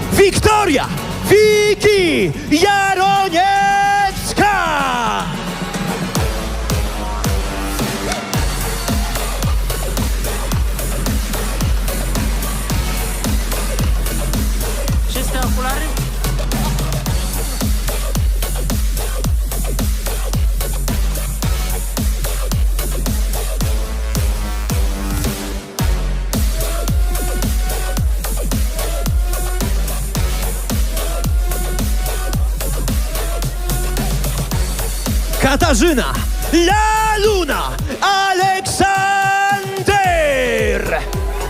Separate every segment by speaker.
Speaker 1: Wiktoria Wiki Jaroniecka!
Speaker 2: Czyste okulary?
Speaker 1: Katarzyna Laluna Aleksander!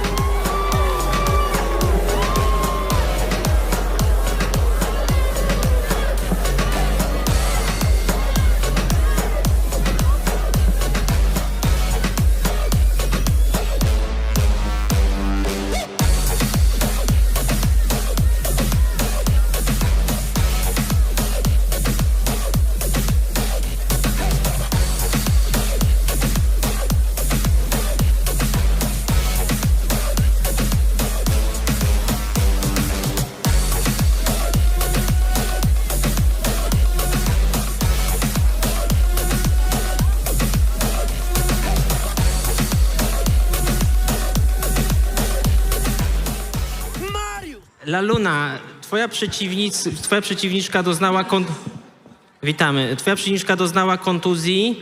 Speaker 2: Laluna, twoja przeciwniczka doznała Witamy. Twoja przeciwniczka doznała kontuzji.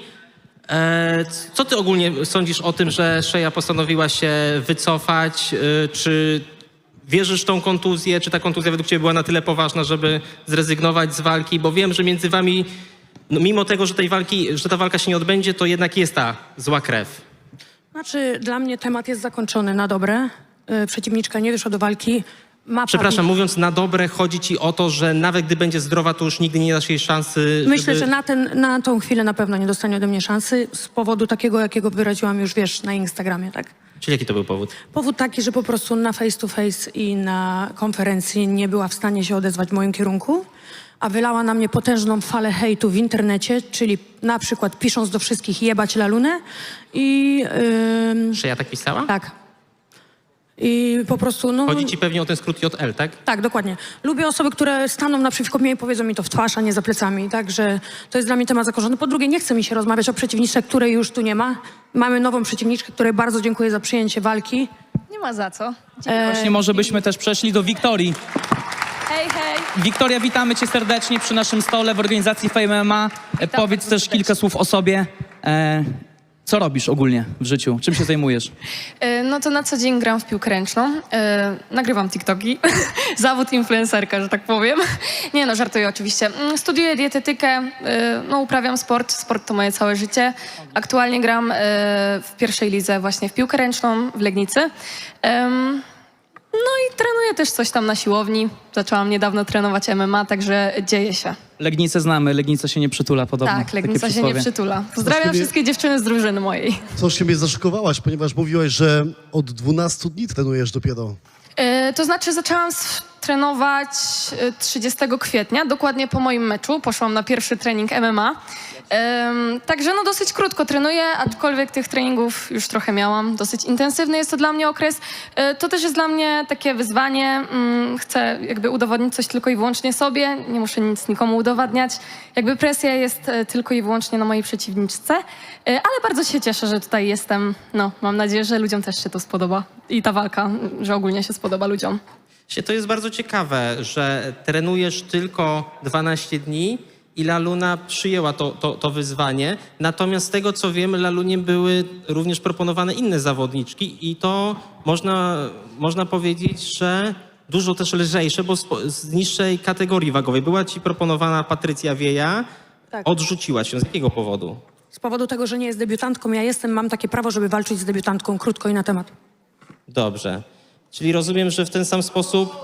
Speaker 2: Co ty ogólnie sądzisz o tym, że Shea postanowiła się wycofać? Czy wierzysz w tą kontuzję? Czy ta kontuzja według ciebie była na tyle poważna, żeby zrezygnować z walki? Bo wiem, że między wami, no mimo tego, że ta walka się nie odbędzie, to jednak jest ta zła krew.
Speaker 3: Znaczy, dla mnie temat jest zakończony na dobre. Przeciwniczka nie wyszła do walki.
Speaker 2: Przepraszam, mówiąc na dobre, chodzi ci o to, że nawet gdy będzie zdrowa, to już nigdy nie dasz jej szansy,
Speaker 3: Myślę,
Speaker 2: żeby...
Speaker 3: że na tą chwilę na pewno nie dostanie ode mnie szansy z powodu takiego, jakiego wyraziłam już, wiesz, na Instagramie, tak?
Speaker 2: Czyli jaki to był powód?
Speaker 3: Powód taki, że po prostu na face to face i na konferencji nie była w stanie się odezwać w moim kierunku, a wylała na mnie potężną falę hejtu w internecie, czyli na przykład pisząc do wszystkich jebać Lalunę i...
Speaker 2: Shea tak pisała?
Speaker 3: Tak. I po prostu, no...
Speaker 2: Chodzi ci pewnie o ten skrót JL, tak?
Speaker 3: Tak, dokładnie. Lubię osoby, które staną naprzeciwko mnie i powiedzą mi to w twarz, a nie za plecami. Także to jest dla mnie temat zakończony. Po drugie, nie chce mi się rozmawiać o przeciwniczce, której już tu nie ma. Mamy nową przeciwniczkę, której bardzo dziękuję za przyjęcie walki.
Speaker 4: Nie ma za co.
Speaker 5: Właśnie może byśmy też przeszli do Wiktorii.
Speaker 4: Hej, hej.
Speaker 5: Wiktoria, witamy cię serdecznie przy naszym stole w organizacji Fame MMA. Powiedz
Speaker 4: bardzo
Speaker 5: też
Speaker 4: serdecznie.
Speaker 5: kilka słów o sobie. Co robisz ogólnie w życiu? Czym się zajmujesz?
Speaker 4: No to na co dzień gram w piłkę ręczną. Nagrywam TikToki. Zawód influencerka, że tak powiem. Nie no, żartuję oczywiście. Studiuję dietetykę, no uprawiam sport. Sport to moje całe życie. Aktualnie gram w pierwszej lidze właśnie w piłkę ręczną w Legnicy. No i trenuję też coś tam na siłowni. Zaczęłam niedawno trenować MMA, także dzieje się.
Speaker 5: Legnicę znamy, Legnica się nie przytula podobno.
Speaker 4: Tak,
Speaker 5: Takie
Speaker 4: Legnica się nie
Speaker 5: przysłowie.
Speaker 4: przytula. Pozdrawiam wszystkie dziewczyny z drużyny mojej.
Speaker 6: Coś mnie zaszokowałaś, ponieważ mówiłaś, że od 12 dni trenujesz dopiero.
Speaker 4: To znaczy zaczęłam trenować 30 kwietnia, dokładnie po moim meczu. Poszłam na pierwszy trening MMA. Także no dosyć krótko trenuję, aczkolwiek tych treningów już trochę miałam. Dosyć intensywny jest to dla mnie okres. To też jest dla mnie takie wyzwanie. Chcę jakby udowodnić coś tylko i wyłącznie sobie. Nie muszę nic nikomu udowadniać. Jakby presja jest tylko i wyłącznie na mojej przeciwniczce. Ale bardzo się cieszę, że tutaj jestem. No, mam nadzieję, że ludziom też się to spodoba. I ta walka, że ogólnie się spodoba ludziom.
Speaker 2: To jest bardzo ciekawe, że trenujesz tylko 12 dni i Laluna przyjęła to wyzwanie. Natomiast z tego, co wiem, Lalunie były również proponowane inne zawodniczki i to można powiedzieć, że dużo też lżejsze, bo z niższej kategorii wagowej. Była ci proponowana Patrycja Wieja,
Speaker 3: Tak.
Speaker 2: odrzuciłaś ją. Z jakiego powodu?
Speaker 3: Z powodu tego, że nie jest debiutantką, ja mam takie prawo, żeby walczyć z debiutantką krótko i na temat.
Speaker 2: Dobrze. Czyli rozumiem, że w ten sam sposób...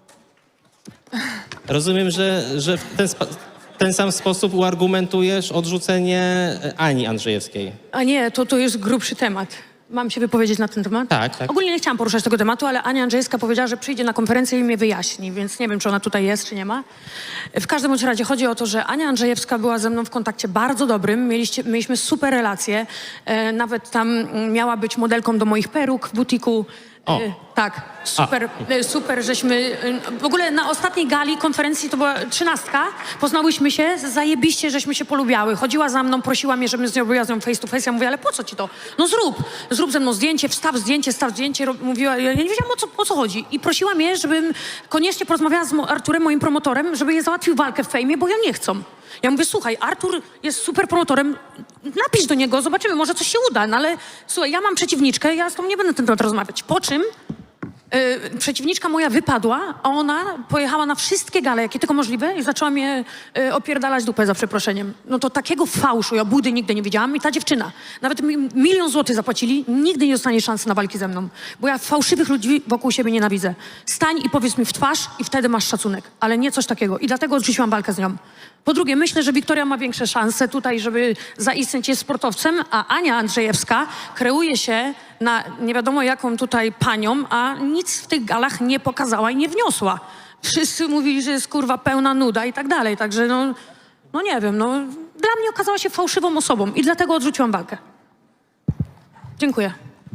Speaker 2: Rozumiem, że w ten sam sposób uargumentujesz odrzucenie Ani Andrzejewskiej.
Speaker 3: A nie, to jest grubszy temat. Mam się wypowiedzieć na ten temat?
Speaker 2: Tak, tak.
Speaker 3: Ogólnie nie chciałam poruszać tego tematu, ale Ania Andrzejewska powiedziała, że przyjdzie na konferencję i mnie wyjaśni, więc nie wiem, czy ona tutaj jest, czy nie ma. W każdym bądź razie chodzi o to, że Ania Andrzejewska była ze mną w kontakcie bardzo dobrym, mieliśmy super relacje, nawet tam miała być modelką do moich peruk w butiku.
Speaker 2: O.
Speaker 3: Tak, super, żeśmy... W ogóle na ostatniej gali konferencji, to była 13, poznałyśmy się, zajebiście, żeśmy się polubiały. Chodziła za mną, prosiła mnie, żebym zrobiła z nią face to face. Ja mówię, ale po co ci to? No zrób ze mną zdjęcie, wstaw zdjęcie. Mówiła, ja nie wiedziałam o co chodzi. I prosiła mnie, żebym koniecznie porozmawiała z Arturem, moim promotorem, żeby je załatwił walkę w fejmie, bo ja nie chcę. Ja mówię, słuchaj, Artur jest super promotorem, napisz do niego, zobaczymy, może coś się uda, no ale słuchaj, ja mam przeciwniczkę, ja z tą nie będę na ten temat rozmawiać. Po czym przeciwniczka moja wypadła, a ona pojechała na wszystkie gale, jakie tylko możliwe i zaczęła mnie opierdalać dupę, za przeproszeniem. No to takiego fałszu, ja budy nigdy nie widziałam i ta dziewczyna, nawet mi 1 000 000 złotych zapłacili, nigdy nie dostanie szansy na walki ze mną, bo ja fałszywych ludzi wokół siebie nienawidzę. Stań i powiedz mi w twarz i wtedy masz szacunek, ale nie coś takiego i dlatego odrzuciłam walkę z nią. Po drugie, myślę, że Wiktoria ma większe szanse tutaj, żeby zaistnieć, jest sportowcem, a Ania Andrzejewska kreuje się na nie wiadomo jaką tutaj panią, a nic w tych galach nie pokazała i nie wniosła. Wszyscy mówili, że jest kurwa pełna nuda i tak dalej, także no nie wiem, no dla mnie okazała się fałszywą osobą i dlatego odrzuciłam walkę. Dziękuję.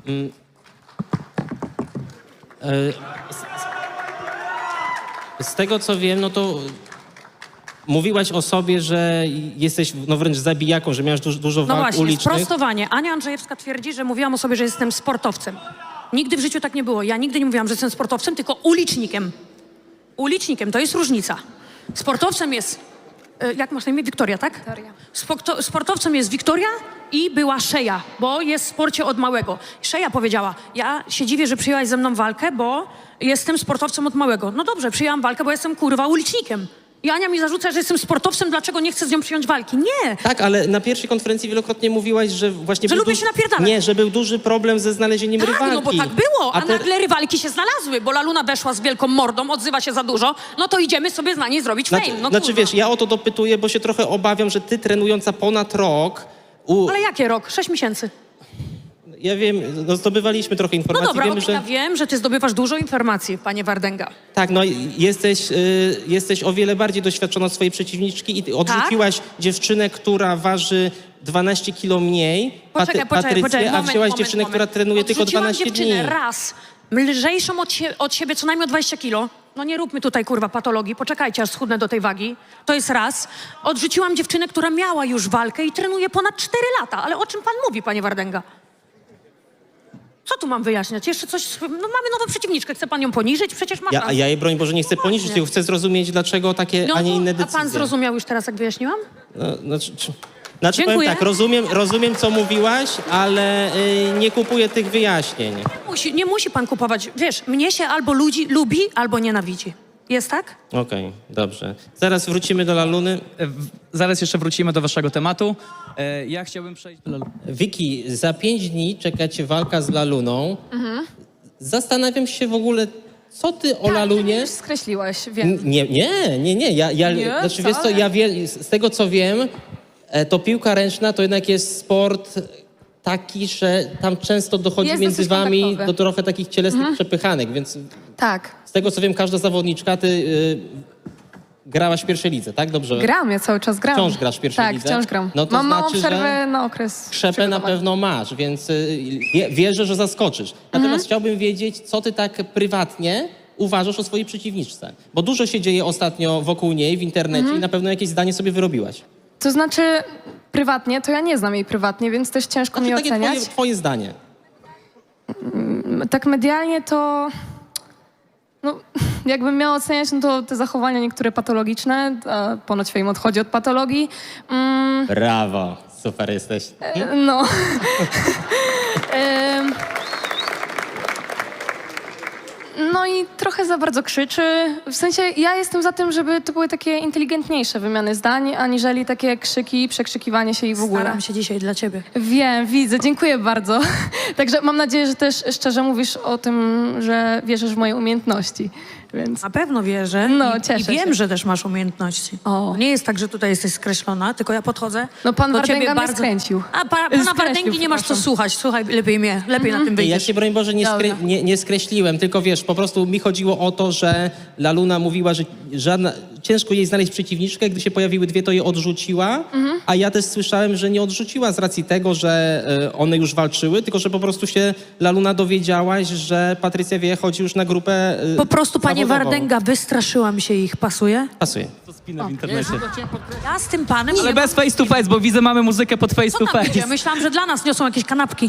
Speaker 2: Z tego co wiem, no to mówiłaś o sobie, że jesteś no wręcz zabijaką, że miałaś dużo
Speaker 3: No
Speaker 2: walk
Speaker 3: właśnie,
Speaker 2: ulicznych.
Speaker 3: sprostowanie. Ania Andrzejewska twierdzi, że mówiłam o sobie, że jestem sportowcem. Nigdy w życiu tak nie było. Ja nigdy nie mówiłam, że jestem sportowcem, tylko ulicznikiem. Ulicznikiem, to jest różnica. Sportowcem jest, jak masz na imię? Wiktoria, tak?
Speaker 4: Wiktoria.
Speaker 3: Sportowcem jest Wiktoria i była Szeja, bo jest w sporcie od małego. Szeja powiedziała, ja się dziwię, że przyjęłaś ze mną walkę, bo jestem sportowcem od małego. No dobrze, przyjęłam walkę, bo jestem kurwa ulicznikiem. I Ania mi zarzuca, że jestem sportowcem, dlaczego nie chcę z nią przyjąć walki. Nie!
Speaker 2: Tak, ale na pierwszej konferencji wielokrotnie mówiłaś, że właśnie...
Speaker 3: Że
Speaker 2: był
Speaker 3: lubię się napierdalać.
Speaker 2: Nie, że był duży problem ze znalezieniem
Speaker 3: Tak,
Speaker 2: rywalki.
Speaker 3: no bo tak było, a
Speaker 2: te-
Speaker 3: nagle rywalki się znalazły, bo Laluna weszła z wielką mordą, odzywa się za dużo, no to idziemy sobie na niej zrobić fame. No
Speaker 2: Znaczy
Speaker 3: kurwa.
Speaker 2: wiesz, ja o to dopytuję, bo się trochę obawiam, że ty trenująca ponad rok...
Speaker 3: Ale jakie rok? 6 miesięcy.
Speaker 2: Ja wiem, no zdobywaliśmy trochę
Speaker 3: No
Speaker 2: informacji.
Speaker 3: dobra,
Speaker 2: Wiemy,
Speaker 3: okej, ja wiem, że ty zdobywasz dużo informacji, panie Wardęga.
Speaker 2: Tak, no jesteś o wiele bardziej doświadczona od swojej przeciwniczki i ty odrzuciłaś dziewczynę, która waży 12 kilo mniej, Patrycję, a wzięłaś dziewczynę, która trenuje tylko
Speaker 3: Odrzuciłam
Speaker 2: 12
Speaker 3: dziewczynę
Speaker 2: dni.
Speaker 3: raz, lżejszą od siebie co najmniej o 20 kilo. No nie róbmy tutaj, kurwa, patologii, poczekajcie, aż schudnę do tej wagi. To jest raz. Odrzuciłam dziewczynę, która miała już walkę i trenuje ponad 4 lata. Ale o czym pan mówi, panie Wardęga? Co tu mam wyjaśniać? Jeszcze coś... No mamy nową przeciwniczkę, chce pan ją poniżyć? Przecież ma pan...
Speaker 2: Ja jej, broń Boże, nie chcę poniżyć,
Speaker 3: właśnie.
Speaker 2: tylko chcę zrozumieć, dlaczego takie, a nie inne
Speaker 3: A
Speaker 2: decyzje.
Speaker 3: pan zrozumiał już teraz, jak wyjaśniłam?
Speaker 2: No, znaczy powiem
Speaker 3: Dziękuję.
Speaker 2: tak, rozumiem, co mówiłaś, ale nie kupuję tych wyjaśnień.
Speaker 3: Nie musi pan kupować. Wiesz, mnie się albo ludzi lubi, albo nienawidzi. Jest tak?
Speaker 2: Okej, dobrze. Zaraz wrócimy do Laluny.
Speaker 5: Zaraz jeszcze wrócimy do waszego tematu. Ja chciałbym przejść do Laluny.
Speaker 2: Wiki, za 5 dni czeka cię walka z Laluną. Zastanawiam się w ogóle, co ty o Lalunie...
Speaker 4: Już skreśliłaś, wiem.
Speaker 2: Nie.
Speaker 4: Nie,
Speaker 2: Znaczy, wiesz co,
Speaker 4: wcale.
Speaker 2: z tego co wiem, to piłka ręczna to jednak jest sport taki, że tam często dochodzi
Speaker 4: Jest
Speaker 2: między
Speaker 4: dosyć
Speaker 2: wami
Speaker 4: kontaktowy.
Speaker 2: do trochę takich cielesnych przepychanek, więc
Speaker 4: Tak.
Speaker 2: z tego co wiem, każda zawodniczka, ty grałaś w pierwszej lidze, tak? Dobrze?
Speaker 4: Gram, ja cały czas gram.
Speaker 2: Wciąż grasz w pierwszej
Speaker 4: tak,
Speaker 2: lidze?
Speaker 4: wciąż gram.
Speaker 2: No to
Speaker 4: Mam małą
Speaker 2: znaczy,
Speaker 4: przerwę
Speaker 2: że
Speaker 4: na okres
Speaker 2: Krzepę na
Speaker 4: przygotowania.
Speaker 2: pewno masz, więc wierzę, że zaskoczysz. Natomiast chciałbym wiedzieć, co ty tak prywatnie uważasz o swojej przeciwniczce. Bo dużo się dzieje ostatnio wokół niej w internecie i na pewno jakieś zdanie sobie wyrobiłaś.
Speaker 4: To znaczy, prywatnie, to ja nie znam jej prywatnie, więc też ciężko mi
Speaker 2: Znaczy, takie
Speaker 4: oceniać.
Speaker 2: twoje zdanie.
Speaker 4: Tak medialnie to... No, jakbym miała oceniać, no to te zachowania niektóre patologiczne, a ponoć Fame odchodzi od patologii.
Speaker 2: Brawo, super jesteś.
Speaker 4: No. Em, No i trochę za bardzo krzyczy. W sensie ja jestem za tym, żeby to były takie inteligentniejsze wymiany zdań, aniżeli takie krzyki, przekrzykiwanie się i w ogóle.
Speaker 3: Staram się dzisiaj dla ciebie.
Speaker 4: Wiem, widzę, dziękuję bardzo. Także mam nadzieję, że też szczerze mówisz o tym, że wierzysz w moje umiejętności. Więc
Speaker 3: Na pewno wierzę
Speaker 4: No,
Speaker 3: i
Speaker 4: cieszę
Speaker 3: wiem,
Speaker 4: się.
Speaker 3: że też masz umiejętności.
Speaker 4: O.
Speaker 3: Nie jest tak, że tutaj jesteś skreślona, tylko ja podchodzę
Speaker 4: No, pan
Speaker 3: do
Speaker 4: Wardęga
Speaker 3: ciebie
Speaker 4: mnie
Speaker 3: bardzo...
Speaker 4: skręcił.
Speaker 3: A pana
Speaker 4: Skreślił,
Speaker 3: Wardęgi nie masz co
Speaker 4: przepraszam.
Speaker 3: słuchać. Słuchaj, lepiej mnie, lepiej na tym
Speaker 2: Ja
Speaker 3: wyjdziesz.
Speaker 2: cię, broń Boże,
Speaker 4: Dobra.
Speaker 2: nie skreśliłem, tylko wiesz, po prostu mi chodziło o to, że Laluna mówiła, że ciężko jej znaleźć przeciwniczkę, gdy się pojawiły dwie, to je odrzuciła, a ja też słyszałem, że nie odrzuciła z racji tego, że one już walczyły, tylko że po prostu się Laluna dowiedziałaś, że Patrycja Wieje chodzi już na grupę
Speaker 3: Po prostu, panie
Speaker 2: zawodową.
Speaker 3: Wardęga, wystraszyłam się ich. Pasuje?
Speaker 2: Pasuje.
Speaker 5: To spinę w internecie.
Speaker 3: Ja z tym panem
Speaker 5: Ale
Speaker 3: nie
Speaker 5: bez face to face, bo widzę, mamy muzykę pod face
Speaker 3: Co
Speaker 5: to
Speaker 3: tam będzie?
Speaker 5: face.
Speaker 3: Myślałam, że dla nas niosą jakieś kanapki.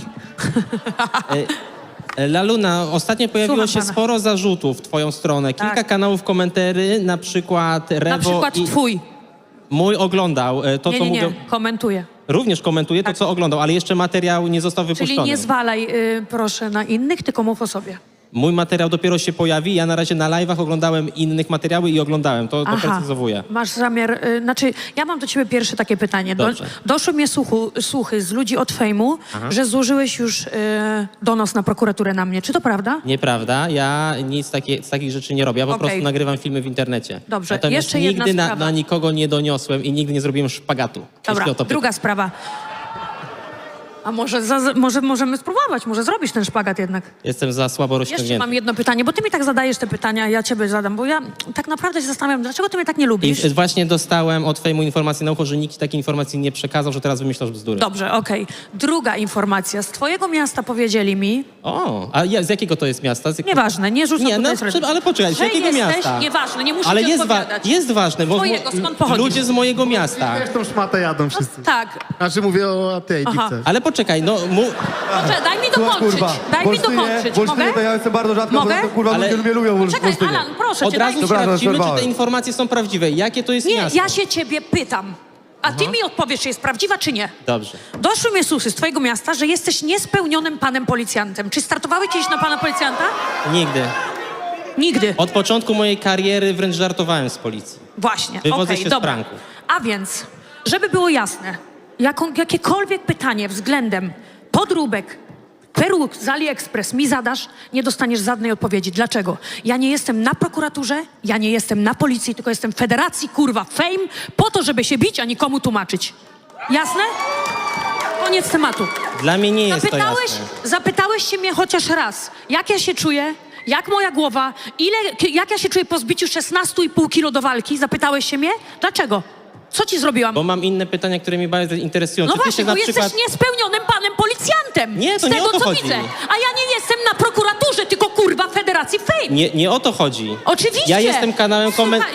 Speaker 2: Laluna, ostatnio pojawiło
Speaker 3: Słucham
Speaker 2: się
Speaker 3: pana.
Speaker 2: sporo zarzutów w twoją stronę. Kilka
Speaker 3: Tak.
Speaker 2: kanałów komentarzy, na przykład Rewo
Speaker 3: Na przykład
Speaker 2: i
Speaker 3: twój.
Speaker 2: mój oglądał to,
Speaker 3: Nie,
Speaker 2: co
Speaker 3: nie, nie,
Speaker 2: mówią.
Speaker 3: komentuję.
Speaker 2: Również komentuje to, co oglądał, ale jeszcze materiał nie został wypuszczony.
Speaker 3: Czyli nie zwalaj, proszę, na innych, tylko mów o sobie.
Speaker 2: Mój materiał dopiero się pojawi. Ja na razie na live'ach oglądałem innych materiały i oglądałem. To precyzowuję.
Speaker 3: Masz zamiar, znaczy, ja mam do ciebie pierwsze takie pytanie.
Speaker 2: Dobrze.
Speaker 3: Doszły mnie słuchy z ludzi od fejmu, że złożyłeś już donos na prokuraturę na mnie. Czy to prawda?
Speaker 2: Nieprawda. Ja nic z takich rzeczy nie robię. Ja po
Speaker 3: Okej.
Speaker 2: prostu nagrywam filmy w internecie.
Speaker 3: Dobrze.
Speaker 2: Natomiast
Speaker 3: Jeszcze jedna
Speaker 2: nigdy
Speaker 3: sprawa.
Speaker 2: na nikogo nie doniosłem i nigdy nie zrobiłem szpagatu.
Speaker 3: Dobra,
Speaker 2: jeśli o to
Speaker 3: druga sprawa. A może możemy spróbować, może zrobisz ten szpagat jednak.
Speaker 2: Jestem za słabo
Speaker 3: Jeszcze
Speaker 2: rozciągnięty.
Speaker 3: mam jedno pytanie, bo ty mi tak zadajesz te pytania, ja ciebie zadam, bo ja tak naprawdę się zastanawiam, dlaczego ty mnie tak nie lubisz?
Speaker 2: I właśnie dostałem od fejmu informacji na ucho, że nikt takiej informacji nie przekazał, że teraz wymyślasz bzdury.
Speaker 3: Dobrze, okej. Druga informacja. Z twojego miasta powiedzieli mi,
Speaker 2: O, a z jakiego to jest miasta?
Speaker 3: nieważne, nie rzucam
Speaker 2: Nie, no,
Speaker 3: tutaj srebrem,
Speaker 2: ale poczekaj, z
Speaker 3: że
Speaker 2: jakiego
Speaker 3: jesteś,
Speaker 2: miasta?
Speaker 3: nieważne, nie muszę
Speaker 2: Ale
Speaker 3: ci
Speaker 2: jest,
Speaker 3: odpowiadać.
Speaker 2: jest ważne, bo
Speaker 3: Twojego, skąd pochodzisz?
Speaker 2: ludzie z mojego miasta.
Speaker 7: Też tą szmatę jadą wszyscy.
Speaker 3: Tak.
Speaker 7: Znaczy mówię o tej
Speaker 3: Aha.
Speaker 7: dikce.
Speaker 2: Ale poczekaj, no
Speaker 3: Dobrze, daj mi dokończyć. Daj mi dokończyć. Mogę?
Speaker 8: to ja jestem bardzo rzadko,
Speaker 3: Mogę?
Speaker 8: bo to kurwa
Speaker 2: Ale-
Speaker 8: ludzie mnie lubią w
Speaker 3: Czekaj,
Speaker 8: Olsztynie.
Speaker 3: Alan, proszę
Speaker 2: od
Speaker 3: cię,
Speaker 2: razu
Speaker 3: daj mi...
Speaker 8: Dobra,
Speaker 2: sprawdzimy, czy te
Speaker 8: przerwałem.
Speaker 2: informacje są prawdziwe. Jakie to jest
Speaker 3: Nie,
Speaker 2: miasto?
Speaker 3: ja się ciebie pytam. A ty mi odpowiesz, czy jest prawdziwa, czy nie.
Speaker 2: Dobrze.
Speaker 3: Doszły mnie słuchy z twojego miasta, że jesteś niespełnionym panem policjantem. Czy startowałeś kiedyś na pana policjanta?
Speaker 2: Nigdy.
Speaker 3: Nigdy.
Speaker 2: Od początku mojej kariery wręcz żartowałem z policji.
Speaker 3: Właśnie,
Speaker 2: Wywodzę
Speaker 3: okej,
Speaker 2: się z
Speaker 3: dobra.
Speaker 2: pranków.
Speaker 3: A więc, żeby było jasne, jakiekolwiek pytanie względem podróbek, peruk z AliExpress mi zadasz, nie dostaniesz żadnej odpowiedzi. Dlaczego? Ja nie jestem na prokuraturze, ja nie jestem na policji, tylko jestem w federacji, kurwa, fame, po to, żeby się bić, a nikomu tłumaczyć. Jasne? Koniec tematu.
Speaker 2: Dla mnie nie jest to jasne.
Speaker 3: Zapytałeś się mnie chociaż raz, jak ja się czuję, jak moja głowa, jak ja się czuję po zbiciu 16,5 kilo do walki? Zapytałeś się mnie? Dlaczego? Co ci zrobiłam?
Speaker 2: Bo mam inne pytania, które mnie bardzo interesują.
Speaker 3: No
Speaker 2: Czy ty
Speaker 3: właśnie,
Speaker 2: się
Speaker 3: bo
Speaker 2: na przykład...
Speaker 3: jesteś niespełnionym panem policjantem.
Speaker 2: Nie, to
Speaker 3: z
Speaker 2: nie
Speaker 3: tego,
Speaker 2: o to
Speaker 3: co
Speaker 2: chodzi.
Speaker 3: widzę. A ja nie jestem na prokuraturze, tylko kurwa Federacji Fame.
Speaker 2: Nie o to chodzi.
Speaker 3: Oczywiście.
Speaker 2: Ja jestem kanałem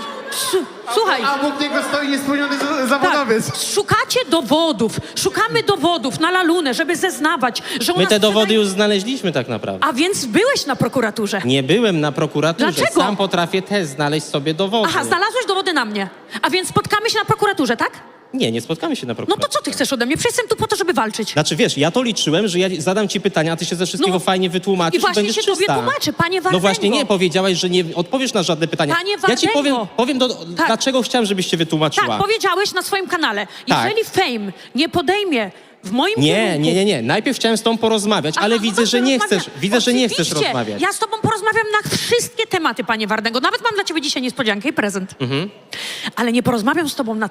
Speaker 3: Słuchaj.
Speaker 7: A obok niego stoi niespełniony zawodowiec.
Speaker 3: Tak, szukacie dowodów, szukamy dowodów na Lalunę, żeby zeznawać, że ona
Speaker 2: My te dowody
Speaker 3: sprzedaje-
Speaker 2: już znaleźliśmy tak naprawdę.
Speaker 3: A więc byłeś na prokuraturze.
Speaker 2: Nie byłem na prokuraturze.
Speaker 3: Dlaczego?
Speaker 2: Sam potrafię też znaleźć sobie dowody.
Speaker 3: Aha, znalazłeś dowody na mnie. A więc spotkamy się na prokuraturze, tak?
Speaker 2: Nie spotkamy się na
Speaker 3: No
Speaker 2: prokuraturze.
Speaker 3: to co ty chcesz ode mnie? Przecież jestem tu po to, żeby walczyć.
Speaker 2: Znaczy wiesz, ja to liczyłem, że ja zadam ci pytania, a ty się ze wszystkiego
Speaker 3: No.
Speaker 2: fajnie wytłumaczysz
Speaker 3: I właśnie
Speaker 2: będziesz
Speaker 3: się tobie
Speaker 2: czysta.
Speaker 3: tłumaczę, panie
Speaker 2: No
Speaker 3: Wardęgo.
Speaker 2: właśnie nie, powiedziałaś, że nie odpowiesz na żadne pytania.
Speaker 3: Panie
Speaker 2: Ja ci
Speaker 3: Wardęgo.
Speaker 2: powiem
Speaker 3: Tak.
Speaker 2: dlaczego chciałem, żebyś się wytłumaczyła.
Speaker 3: Tak, powiedziałeś na swoim kanale.
Speaker 2: Tak.
Speaker 3: Jeżeli Fame nie podejmie w moim
Speaker 2: Nie,
Speaker 3: kierunku...
Speaker 2: nie. Najpierw chciałem z tobą porozmawiać,
Speaker 3: Aha,
Speaker 2: ale
Speaker 3: no
Speaker 2: widzę,
Speaker 3: dobrze,
Speaker 2: że nie
Speaker 3: rozmawiamy.
Speaker 2: chcesz. Widzę, że nie chcesz
Speaker 3: Oczywiście.
Speaker 2: rozmawiać.
Speaker 3: Ja z tobą porozmawiam na wszystkie tematy, panie Wardęgo. Nawet mam dla ciebie dzisiaj niespodziankę i prezent. Ale nie porozmawiam z tobą na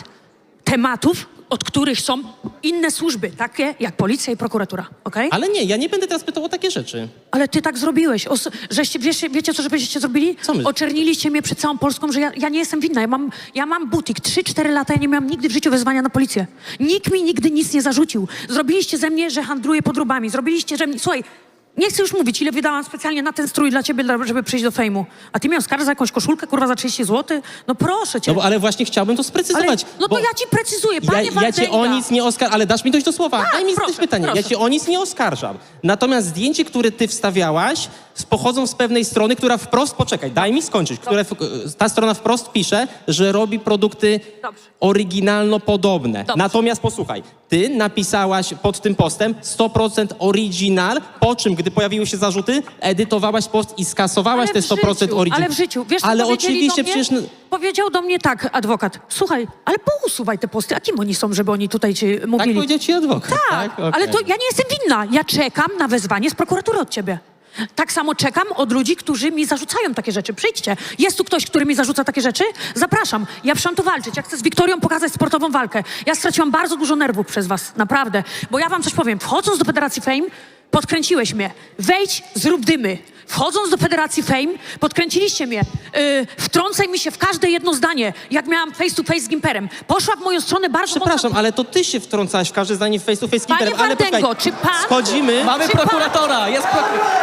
Speaker 3: tematów, od których są inne służby, takie jak policja i prokuratura, okej?
Speaker 2: Ale nie, ja nie będę teraz pytał o takie rzeczy.
Speaker 3: Ale ty tak zrobiłeś. Wiecie, co żeście zrobili?
Speaker 2: Co my?
Speaker 3: Oczerniliście mnie przed całą Polską, że ja nie jestem winna. Ja mam butik. 3-4 lata, ja nie miałam nigdy w życiu wezwania na policję. Nikt mi nigdy nic nie zarzucił. Zrobiliście ze mnie, że handluję podróbami. Zrobiliście, że... Słuchaj, nie chcę już mówić, ile wydałam specjalnie na ten strój dla ciebie, żeby przyjść do fejmu. A ty mnie oskarżasz za jakąś koszulkę, kurwa, za 30 zł? No proszę cię.
Speaker 2: No bo, ale właśnie chciałbym to sprecyzować.
Speaker 3: No to
Speaker 2: bo
Speaker 3: ja ci precyzuję, panie
Speaker 2: ja cię o
Speaker 3: Wardęga.
Speaker 2: nic nie oskarżam, ale dasz mi dojść do słowa.
Speaker 3: Tak,
Speaker 2: Daj mi
Speaker 3: proszę,
Speaker 2: zadać pytanie. Ja
Speaker 3: proszę.
Speaker 2: cię o nic nie oskarżam. Natomiast zdjęcie, które ty wstawiałaś, pochodzą z pewnej strony, która wprost, poczekaj, daj mi skończyć, ta strona wprost pisze, że robi produkty
Speaker 3: Dobrze.
Speaker 2: oryginalno podobne.
Speaker 3: Dobrze.
Speaker 2: Natomiast posłuchaj, ty napisałaś pod tym postem 100% original, po czym, gdy pojawiły się zarzuty, edytowałaś post i skasowałaś te 100% original.
Speaker 3: Ale w życiu, wiesz co
Speaker 2: Ale
Speaker 3: powiedzieli
Speaker 2: oczywiście
Speaker 3: do mnie?
Speaker 2: przecież...
Speaker 3: Powiedział do mnie tak adwokat, słuchaj, ale pousuwaj te posty, a kim oni są, żeby oni tutaj ci
Speaker 2: Tak
Speaker 3: mówili?
Speaker 2: powiedział ci adwokat.
Speaker 3: Tak,
Speaker 2: Okej.
Speaker 3: ale to ja nie jestem winna, ja czekam na wezwanie z prokuratury od ciebie. Tak samo czekam od ludzi, którzy mi zarzucają takie rzeczy. Przyjdźcie. Jest tu ktoś, który mi zarzuca takie rzeczy? Zapraszam. Ja przyszłam tu walczyć. Ja chcę z Wiktorią pokazać sportową walkę. Ja straciłam bardzo dużo nerwów przez was, naprawdę. Bo ja wam coś powiem. Wchodząc do Federacji Fame, Podkręciłeś mnie. Wejdź, zrób dymy. Wchodząc do Federacji Fame, podkręciliście mnie. Wtrącaj mi się w każde jedno zdanie, jak miałam face to face z Gimperem. Poszła w moją stronę bardzo
Speaker 2: Przepraszam,
Speaker 3: mocno.
Speaker 2: ale to ty się wtrącałaś w każde zdanie w face to face z
Speaker 3: Panie
Speaker 2: Kimperem, ale
Speaker 3: Wardengo,
Speaker 2: poczekaj,
Speaker 3: czy pan...
Speaker 2: schodzimy...
Speaker 5: Mamy
Speaker 3: Czy pan-
Speaker 5: prokuratora, jest prokurator.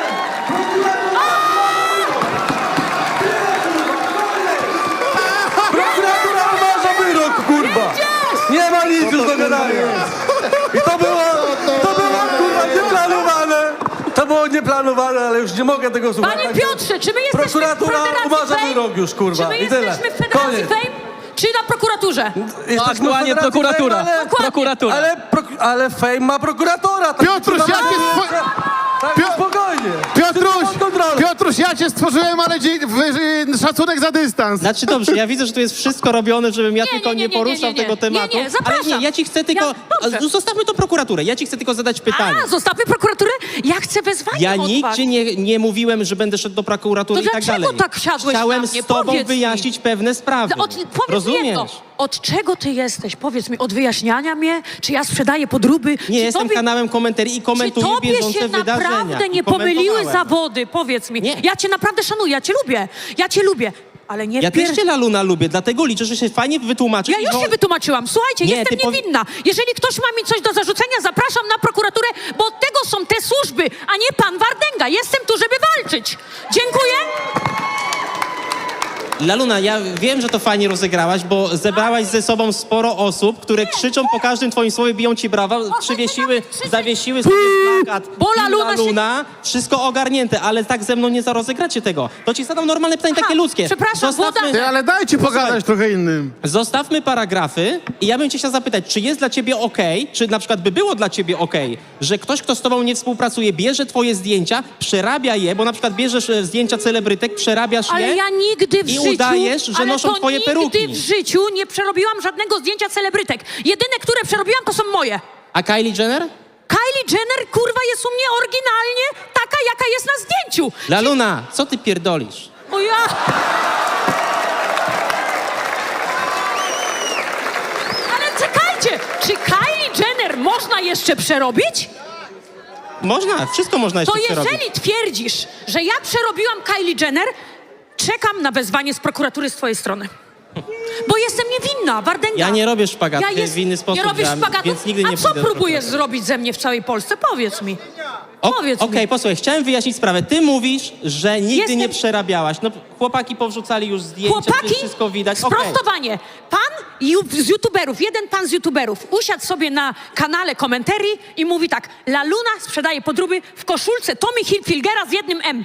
Speaker 8: Prokuratura umarza wyrok, kurwa! Nie ma nic już do gadania! I to było, kurwa, nieplanowane! To było nieplanowane, ale już nie mogę tego słuchać.
Speaker 3: Panie Piotrze, czy my jesteśmy
Speaker 8: Prokuratura
Speaker 3: w Federacji
Speaker 8: umarza
Speaker 3: Fame?
Speaker 8: wyrok już, kurwa,
Speaker 3: Czy my
Speaker 8: i tyle.
Speaker 3: jesteśmy w Federacji
Speaker 8: Koniec.
Speaker 3: Fame? Czy na prokuraturze?
Speaker 8: Jesteśmy
Speaker 5: Aktualnie
Speaker 8: w Federacji
Speaker 5: prokuratura.
Speaker 8: Fame, ale-
Speaker 5: Prokuratura.
Speaker 8: Ale Fame ma prokuratora! Tak,
Speaker 7: Piotruś,
Speaker 8: kurwa,
Speaker 7: jakie
Speaker 8: tak,
Speaker 7: Pio-
Speaker 8: spokojnie!
Speaker 7: Piotruś,
Speaker 8: Wszystko pod kontrolą.
Speaker 7: Piotruś, ja cię stworzyłem, ale szacunek za dystans.
Speaker 2: Znaczy dobrze, ja widzę, że tu jest wszystko robione, żebym ja tylko nie poruszał tego tematu.
Speaker 3: Nie, zapraszam.
Speaker 2: Ale nie, ja ci chcę tylko...
Speaker 3: dobrze.
Speaker 2: Zostawmy to prokuraturę, ja ci chcę tylko zadać pytanie.
Speaker 3: A, zostawmy prokuraturę? Ja chcę wezwanie
Speaker 2: Ja
Speaker 3: od was.
Speaker 2: nigdzie nie mówiłem, że będę szedł do prokuratury
Speaker 3: To
Speaker 2: i tak
Speaker 3: dlaczego
Speaker 2: dalej.
Speaker 3: tak wsiadłeś
Speaker 2: Chciałem
Speaker 3: na mnie?
Speaker 2: z tobą
Speaker 3: Powiedz mi.
Speaker 2: wyjaśnić pewne sprawy.
Speaker 3: Powiedz mi
Speaker 2: Rozumiesz?
Speaker 3: jedno. Od czego ty jesteś? Powiedz mi, od wyjaśniania mnie? Czy ja sprzedaję podróby?
Speaker 2: Nie,
Speaker 3: Czy
Speaker 2: jestem
Speaker 3: tobie-
Speaker 2: kanałem komentarii i
Speaker 3: Czy
Speaker 2: komentuję
Speaker 3: tobie
Speaker 2: bieżące
Speaker 3: się
Speaker 2: wydarzenia.
Speaker 3: naprawdę nie
Speaker 2: I
Speaker 3: pomyliły
Speaker 2: komentowałem.
Speaker 3: zawody? Powiedz mi.
Speaker 2: Nie.
Speaker 3: Ja cię naprawdę szanuję, ja cię lubię. Ja cię lubię. Ale nie
Speaker 2: Ja też cię, Laluna, lubię, dlatego liczę, że się fajnie wytłumaczysz.
Speaker 3: Ja już się wytłumaczyłam. Słuchajcie,
Speaker 2: Nie,
Speaker 3: jestem
Speaker 2: ty
Speaker 3: niewinna. Jeżeli ktoś ma mi coś do zarzucenia, zapraszam na prokuraturę, bo od tego są te służby, a nie pan Wardenga. Jestem tu, żeby walczyć. Dziękuję.
Speaker 2: Laluna, ja wiem, że to fajnie rozegrałaś, bo zebrałaś ze sobą sporo osób, które krzyczą po każdym twoim słowie, biją ci brawa, zawiesiły sobie plakat
Speaker 3: Bo
Speaker 2: Team
Speaker 3: Laluna się-
Speaker 2: Laluna, wszystko ogarnięte, ale tak ze mną nie zarozegracie tego. To ci zadam normalne pytanie, takie ludzkie.
Speaker 3: przepraszam,
Speaker 2: Zostawmy,
Speaker 7: Ty, ale dajcie pogadać trochę innym.
Speaker 2: zostawmy paragrafy i ja bym cię chciał zapytać, czy jest dla ciebie okej, czy na przykład by było dla ciebie okej, że ktoś, kto z tobą nie współpracuje, bierze twoje zdjęcia, przerabia je, bo na przykład bierzesz zdjęcia celebrytek, przerabiasz
Speaker 3: Ale
Speaker 2: je
Speaker 3: ja nigdy w
Speaker 2: i
Speaker 3: życiu...
Speaker 2: udajesz, że
Speaker 3: ale
Speaker 2: noszą
Speaker 3: to
Speaker 2: twoje peruki.
Speaker 3: nigdy w życiu nie przerobiłam żadnego zdjęcia celebrytek. Jedyne, które przerobiłam, to są moje.
Speaker 2: A Kylie Jenner?
Speaker 3: Kylie Jenner, kurwa, jest u mnie oryginalnie taka, jaka jest na zdjęciu.
Speaker 2: Laluna, co ty pierdolisz?
Speaker 3: O ja... Ale czekajcie, czy Kylie Jenner można jeszcze przerobić?
Speaker 2: Można, wszystko można jeszcze
Speaker 3: To
Speaker 2: przerobić.
Speaker 3: jeżeli twierdzisz, że ja przerobiłam Kylie Jenner, czekam na wezwanie z prokuratury z twojej strony. Bo jestem niewinna, Wardenga.
Speaker 2: Ja nie robię szpagatów w inny sposób,
Speaker 3: Nie robisz szpagatów?
Speaker 2: więc nigdy nie
Speaker 3: A co
Speaker 2: pójdę do
Speaker 3: próbujesz zrobić ze mnie w całej Polsce? Powiedz mi. Powiedz
Speaker 2: Okej,
Speaker 3: mi.
Speaker 2: posłuchaj, chciałem wyjaśnić sprawę. Ty mówisz, że nigdy
Speaker 3: Jestem-
Speaker 2: nie przerabiałaś. No, chłopaki powrzucali już zdjęcia,
Speaker 3: Chłopaki,
Speaker 2: wszystko widać. Okej.
Speaker 3: sprostowanie. Pan z youtuberów, jeden pan z youtuberów usiadł sobie na kanale komentarii i mówi tak: Laluna sprzedaje podróby w koszulce Tommy Hilfigera z jednym M.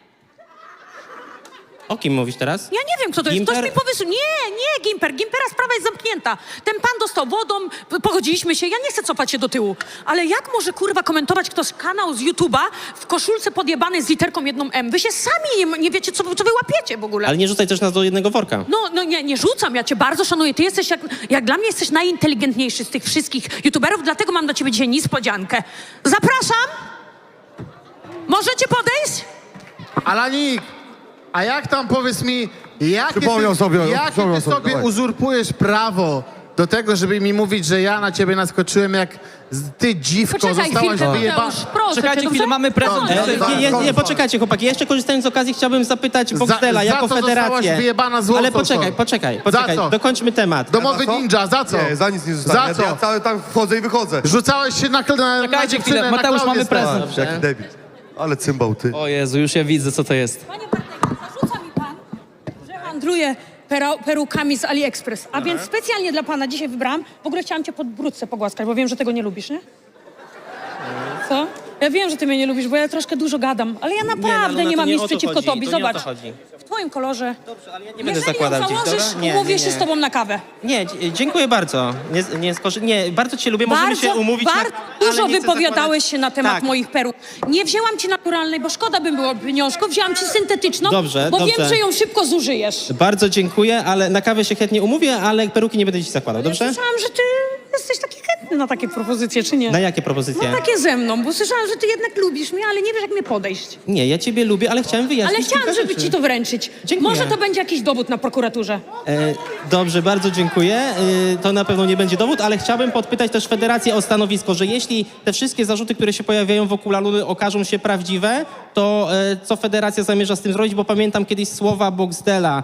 Speaker 2: O kim mówisz teraz?
Speaker 3: Ja nie wiem, kto to jest.
Speaker 2: Gimper?
Speaker 3: Ktoś mi powysył. Nie, Gimper. Gimpera sprawa jest zamknięta. Ten pan dostał wodą, pogodziliśmy się. Ja nie chcę cofać się do tyłu. Ale jak może, kurwa, komentować ktoś kanał z YouTube'a w koszulce podjebanej z literką jedną M? Wy się sami nie wiecie, co wy łapiecie w ogóle.
Speaker 2: Ale nie rzucaj też nas do jednego worka.
Speaker 3: No nie rzucam, ja cię bardzo szanuję. Ty jesteś, jak dla mnie jesteś najinteligentniejszy z tych wszystkich youtuberów, dlatego mam dla ciebie dzisiaj niespodziankę. Zapraszam! Możecie podejść?
Speaker 7: Alanik, a jak tam, powiedz mi,
Speaker 8: Przypomniał sobie,
Speaker 7: jakie ty sobie
Speaker 8: dawaj.
Speaker 7: uzurpujesz prawo do tego, żeby mi mówić, że ja na ciebie naskoczyłem, jak ty dziwko
Speaker 3: Poczekaj
Speaker 7: zostałaś
Speaker 3: chwilkę,
Speaker 7: wyjebana.
Speaker 3: Mateusz, proszę
Speaker 5: Czekajcie
Speaker 3: cię,
Speaker 5: chwilę,
Speaker 3: dobrze?
Speaker 5: mamy prezent.
Speaker 2: Nie, poczekajcie, chłopaki. Ja jeszcze korzystając z okazji chciałbym zapytać Boxdela
Speaker 7: za
Speaker 2: jako
Speaker 7: co zostałaś
Speaker 2: federację.
Speaker 7: wyjebana złotą,
Speaker 2: Ale
Speaker 7: co?
Speaker 2: poczekaj.
Speaker 7: Za co?
Speaker 2: Dokończmy temat.
Speaker 7: Domowy ninja, za co?
Speaker 8: Nie, za nic nie zostanie.
Speaker 7: Za co?
Speaker 8: Ja cały tam wchodzę i wychodzę.
Speaker 7: Rzucałeś się na
Speaker 5: Czekajcie
Speaker 7: dziewczynę,
Speaker 5: chwilę,
Speaker 7: na
Speaker 5: Mateusz,
Speaker 7: Klaudię
Speaker 5: mamy
Speaker 7: stałeś.
Speaker 5: prezent.
Speaker 8: Jaki debil. Ale cymbał, ty.
Speaker 5: O Jezu, już ja widzę, co to jest.
Speaker 3: Panie Bartek, zarzuca mi pan, że handluję perukami z AliExpress. A więc specjalnie dla pana dzisiaj wybrałam. W ogóle chciałam cię pod brudce pogłaskać, bo wiem, że tego nie lubisz, nie? Co? Ja wiem, że ty mnie nie lubisz, bo ja troszkę dużo gadam, ale ja naprawdę
Speaker 2: Laluna,
Speaker 3: nie
Speaker 2: to
Speaker 3: mam
Speaker 2: nie
Speaker 3: nic
Speaker 2: o to
Speaker 3: przeciwko
Speaker 2: chodzi,
Speaker 3: tobie.
Speaker 2: to nie o to
Speaker 3: Zobacz,
Speaker 2: chodzi.
Speaker 3: w twoim kolorze.
Speaker 2: Dobrze, ale ja nie będę
Speaker 3: Jeżeli
Speaker 2: zakładał
Speaker 3: ją
Speaker 2: gdzieś,
Speaker 3: założysz,
Speaker 2: dobra?
Speaker 3: umówię się z tobą na kawę.
Speaker 2: Nie, dziękuję bardzo. Nie, bardzo cię lubię, możemy się umówić
Speaker 3: Bardzo
Speaker 2: ale
Speaker 3: dużo
Speaker 2: nie chcę
Speaker 3: wypowiadałeś
Speaker 2: zakładać-
Speaker 3: się na temat
Speaker 2: Tak.
Speaker 3: moich peruk. Nie wzięłam ci naturalnej, bo szkoda by było pieniążków. Wzięłam ci syntetyczną,
Speaker 2: Dobrze,
Speaker 3: bo
Speaker 2: dobrze.
Speaker 3: wiem, że ją szybko zużyjesz.
Speaker 2: Bardzo dziękuję, ale na kawę się chętnie umówię, ale peruki nie będę ci zakładał, dobrze?
Speaker 3: Słyszałam, że ty jesteś taki chętny chętny na takie propozycje, czy nie?
Speaker 2: Na jakie propozycje?
Speaker 3: No takie ze mną, bo słyszałam, że ty jednak lubisz mnie, ale nie wiesz, jak mnie podejść.
Speaker 2: Nie, ja ciebie lubię, ale chciałem wyjaśnić
Speaker 3: Ale chciałam,
Speaker 2: kilka
Speaker 3: żeby
Speaker 2: rzeczy.
Speaker 3: ci to wręczyć.
Speaker 2: Dziękuję.
Speaker 3: Może to będzie jakiś dowód na prokuraturze.
Speaker 2: Dobrze, bardzo dziękuję. To na pewno nie będzie dowód, ale chciałbym podpytać też Federację o stanowisko, że jeśli te wszystkie zarzuty, które się pojawiają wokół Laluny, okażą się prawdziwe, to co Federacja zamierza z tym zrobić? Bo pamiętam kiedyś słowa Boxdela,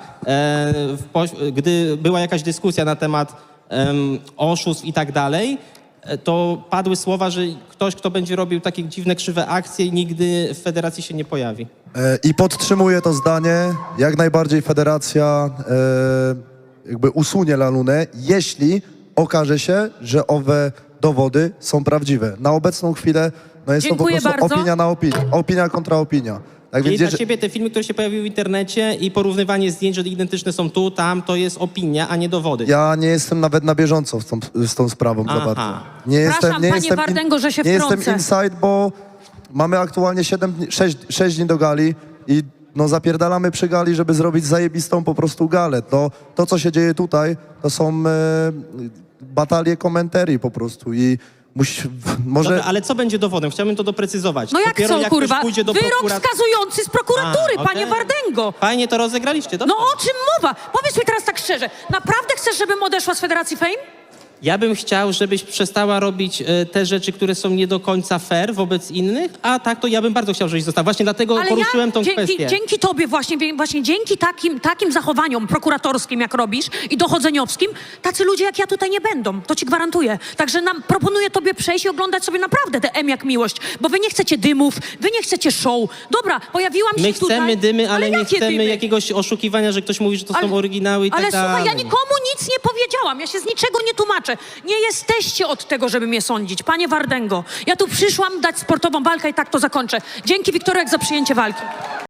Speaker 2: gdy była jakaś dyskusja na temat oszustw i tak dalej, to padły słowa, że ktoś, kto będzie robił takie dziwne, krzywe akcje, nigdy w Federacji się nie pojawi.
Speaker 9: I podtrzymuję to zdanie. Jak najbardziej federacja jakby usunie Lalunę, jeśli okaże się, że owe dowody są prawdziwe. Na obecną chwilę no jest
Speaker 3: Dziękuję
Speaker 9: to po prostu
Speaker 3: bardzo.
Speaker 9: opinia na opinię. Opinia kontra opinia. Tak
Speaker 2: Czyli
Speaker 9: więc
Speaker 2: dla ciebie te filmy, które się pojawiły w internecie i porównywanie zdjęć, że identyczne są tu, tam, to jest opinia, a nie dowody.
Speaker 9: ja nie jestem nawet na bieżąco z tą sprawą za
Speaker 2: Aha.
Speaker 9: bardzo. Nie
Speaker 3: Przepraszam, panie Wardęgo, że się
Speaker 9: nie jestem
Speaker 3: wtrącę.
Speaker 9: inside, bo mamy aktualnie 6 dni do gali i no zapierdalamy przy gali, żeby zrobić zajebistą po prostu galę. To co się dzieje tutaj, to są batalie komentarii po prostu i może...
Speaker 2: Dobra, ale co będzie dowodem? Chciałbym to doprecyzować.
Speaker 3: No jak
Speaker 2: Dopiero
Speaker 3: co,
Speaker 2: jak
Speaker 3: kurwa?
Speaker 2: ktoś pójdzie do
Speaker 3: Wyrok wskazujący z prokuratury,
Speaker 2: A,
Speaker 3: panie
Speaker 2: okej.
Speaker 3: Wardęgo.
Speaker 2: Fajnie to rozegraliście, dobrze?
Speaker 3: No o czym mowa? Powiedz mi teraz tak szczerze, naprawdę chcesz, żebym odeszła z Federacji Fame?
Speaker 2: Ja bym chciał, żebyś przestała robić te rzeczy, które są nie do końca fair wobec innych, a tak to ja bym bardzo chciał, żebyś została. Właśnie dlatego poruszyłem tą kwestię.
Speaker 3: Dzięki tobie właśnie dzięki takim zachowaniom prokuratorskim, jak robisz, i dochodzeniowskim, tacy ludzie jak ja tutaj nie będą. To ci gwarantuję. Także proponuję tobie przejść i oglądać sobie naprawdę te M jak miłość, bo wy nie chcecie dymów, wy nie chcecie show. Dobra, pojawiłam się
Speaker 2: My
Speaker 3: tutaj.
Speaker 2: chcemy dymy, ale nie
Speaker 3: jakie
Speaker 2: chcemy
Speaker 3: dymy?
Speaker 2: jakiegoś oszukiwania, że ktoś mówi, że to są oryginały i tak
Speaker 3: Ale
Speaker 2: dalej.
Speaker 3: słuchaj, ja nikomu nic nie powiedziałam. Ja się z niczego nie tłumaczę. Nie jesteście od tego, żeby mnie sądzić. Panie Wardęgo, ja tu przyszłam dać sportową walkę i tak to zakończę. Dzięki, Wiktorek, za przyjęcie walki.